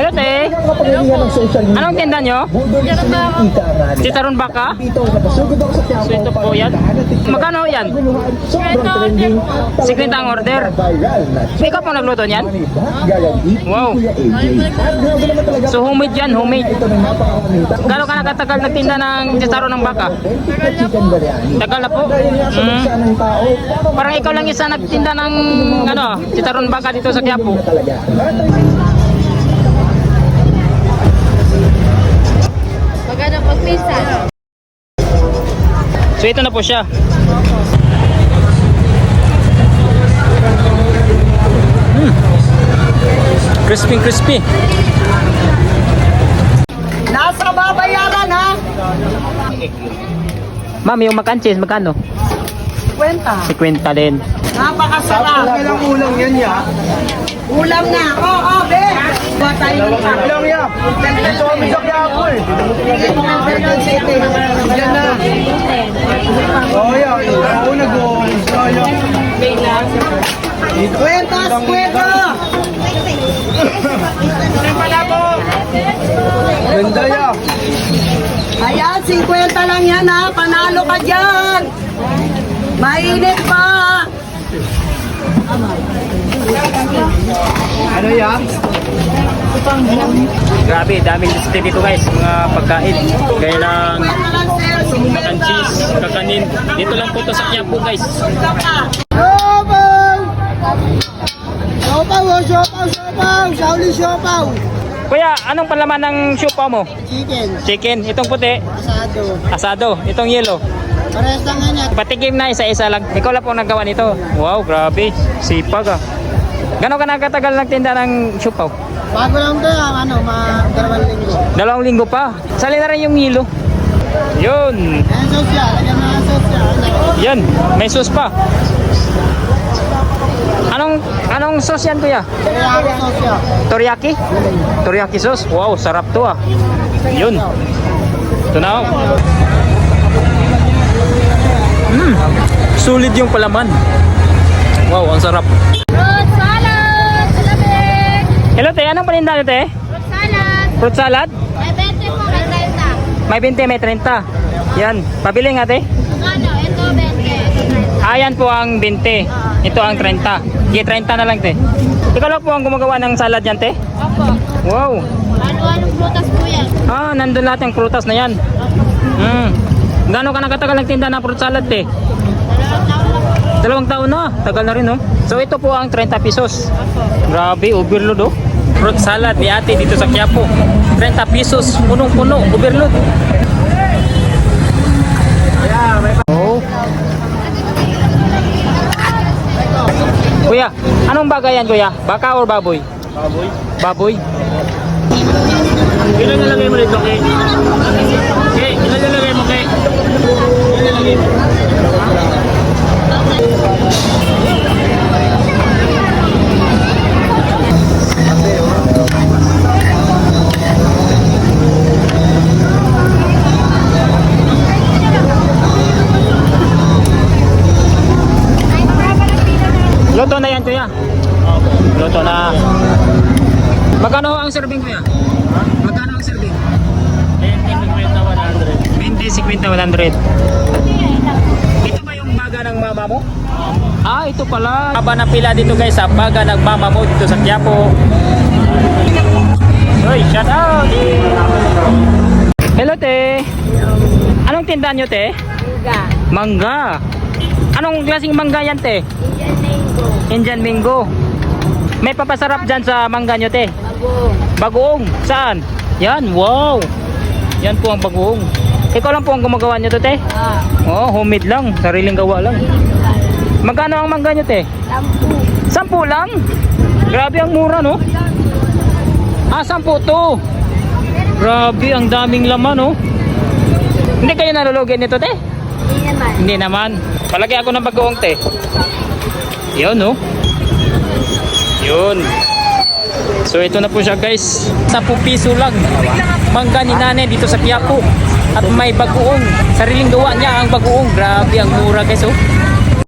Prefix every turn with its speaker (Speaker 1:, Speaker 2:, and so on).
Speaker 1: Hello, te. Anong tinda nyo? Chicharon baka? So ito po yan. Magkano yan? 50 ang order. Ikaw pong nagluto niyan? Wow. So homemade yan, homemade. Gano'n ka nakatagal nagtinda ng chicharon ng baka? Tagal na po. Parang ikaw lang isa nagtinda ng chicharon baka dito sa Quiapo.
Speaker 2: Maganda pagpisan.
Speaker 1: So ito na po siya. Crispy, crispy.
Speaker 3: Nasa babayaran ha?
Speaker 1: Ma'am, yung makanchis, magkano?
Speaker 3: 50.
Speaker 1: 50 din.
Speaker 3: Napakasarap.
Speaker 4: Ilang ulam yan ya?
Speaker 3: Ulam na. Oo, be. Buwa tayo ng
Speaker 4: Ilang ya? Ito kami sa Quiapo eh. Yan na. Oh yan. Ako nag-uwi.
Speaker 3: Kwentas, kwento.
Speaker 4: Ganda ya.
Speaker 3: Ayan, 50 lang yan ha. Panalo ka dyan. Mainit pa.
Speaker 4: Ano ya?
Speaker 1: Grabe, daming listed dito guys, mga pagkain. Gaya ng makanchis, kakanin. Dito lang po to sa Quiapo guys.
Speaker 3: Siopaw! Siopaw, siopaw, siopaw. Shaoli siopaw.
Speaker 1: Kuya, anong palaman ng siopaw mo?
Speaker 3: Chicken.
Speaker 1: Chicken, itong puti,
Speaker 3: Asado.
Speaker 1: asado, itong yellow.
Speaker 3: Parehas lang yan.
Speaker 1: Patikim na isa-isa lang. Ikaw lang po naggawa nito. Wow, grabe. Sipag ah. Gano'n ka nakatagal nagtinda ng siopaw?
Speaker 3: Bago lang ito ang
Speaker 1: 2
Speaker 3: 2 linggo.
Speaker 1: linggo pa. Sali na rin yung yelo. Yun.
Speaker 3: Ayan sosya. Lagyan mo ang sosya.
Speaker 1: Yan, may sauce pa. Anong sauce yan kuya?
Speaker 3: Teriyaki sosya.
Speaker 1: Teriyaki? Teriyaki sauce? Wow, sarap to ah. Yun. Ito na oh. Sulit yung palaman. Wow, ang sarap.
Speaker 2: Fruit salad! Salamig!
Speaker 1: Hello te, anong paninda nyo te?
Speaker 2: Fruit salad!
Speaker 1: Fruit salad?
Speaker 2: May 20 po, may 30.
Speaker 1: May 20, may 30. Yan, pabili nga te.
Speaker 2: Ano? Ito 20, ito 30.
Speaker 1: Ayan po ang 20. Ito ang 30. Sige, 30 na lang te. Ikaw lang po ang gumagawa ng salad yan te?
Speaker 2: Opo.
Speaker 1: Wow.
Speaker 2: Ano-anong prutas po yan?
Speaker 1: Ah, nandun lahat yung prutas na yan. Gano'n ka nakatagal nagtinda ng fruit salad te?
Speaker 2: 2 taon
Speaker 1: 2 taon
Speaker 2: lang.
Speaker 1: na. Tagal na rin no? So ito po ang 30 pesos. Grabe, overload oh. Fruit salad ni ate dito sa Quiapo. 30 pesos. Punong-puno. Overload. Oh. Kuya, anong bagay yan kuya? Baka or baboy?
Speaker 4: Baboy.
Speaker 1: Baboy?
Speaker 4: Ilan nalagay mo dito, Kay? Kay, ilan nalagay mo, Kay? Ilan nalagay mo?
Speaker 1: Luto na yan kuya. Luto na. Magkano ang serving kuya? Magkano ang serving? 20, 50, 100. Ito ba yung baga ng mama mo? Ah, ito pala. Haba na pila dito guys sa baga ng mama mo dito sa Quiapo. Hoy, shout out! Hello te. Anong tindahan nyo te?
Speaker 2: Mangga.
Speaker 1: Mangga. Anong klaseng mangga yan te?
Speaker 2: Indian mango.
Speaker 1: Indian mango. May papasarap dyan sa mangga nyo te?
Speaker 2: Bagong.
Speaker 1: Bagoong. Saan? Yan, wow. Yan po ang bagoong. Ikaw lang po ang gumagawa nyo to te? Oh, homemade lang. Sariling gawa lang. Magkano ang mangga nyo te? 10 lang? Grabe ang mura no? Ah, 10 to. Grabe, ang daming laman no? Hindi kayo nalulugin nito te?
Speaker 2: Hindi naman.
Speaker 1: Hindi naman. Palagi ako ng bagoong te. Yun no? Yun. So ito na po siya guys. 10 piso lang. Mangga ni nanay dito sa Quiapo. At may bagoong. Sariling gawa niya ang bagoong. Grabe ang mura guys oh.